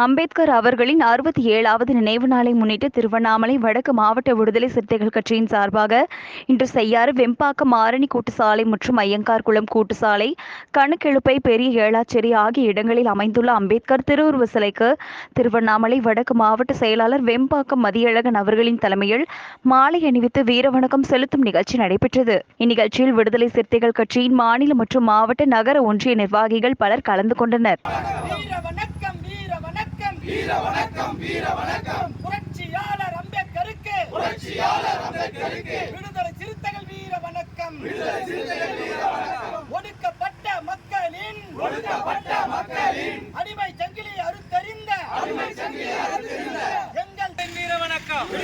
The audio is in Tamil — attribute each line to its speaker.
Speaker 1: அம்பேத்கர் அவர்களின் 67வது நினைவு நாளை முன்னிட்டு திருவண்ணாமலை வடக்கு மாவட்ட விடுதலை சிறுத்தைகள் கட்சியின் சார்பாக இன்று செய்யாறு, வெம்பாக்கம், ஆரணி கூட்டுசாலை மற்றும் ஐயங்கார் குளம் கூட்டுசாலை, கணக்கெழுப்பை, பெரிய ஏளாச்சேரி ஆகிய இடங்களில் அமைந்துள்ள அம்பேத்கர் திருவுருவ சிலைக்கு திருவண்ணாமலை வடக்கு மாவட்ட செயலாளர் வெம்பாக்கம் மதியழகன் அவர்களின் தலைமையில் மாலை அணிவித்து வீரவணக்கம் செலுத்தும் நிகழ்ச்சி நடைபெற்றது. இந்நிகழ்ச்சியில் விடுதலை சிறுத்தைகள் கட்சியின் மாநில மற்றும் மாவட்ட, நகர, ஒன்றிய நிர்வாகிகள் பலர் கலந்து கொண்டனர்.
Speaker 2: வீர வணக்கம், வீர வணக்கம். புரட்சியாளர் அம்பேத்கருக்கு, புரட்சியாளர் அம்பேத்கருக்கு விடுதலை சிறுத்தைகள் வீர வணக்கம், விடுதலை சிறுத்தைகள் வீர வணக்கம். ஒடுக்கப்பட்ட மக்களின், ஒடுக்கப்பட்ட மக்களின் அடிமை சங்கிலி அறுத்தறிந்த, அடிமை சங்கிலி அறுத்தறிந்த எங்கள் வீர வணக்கம்.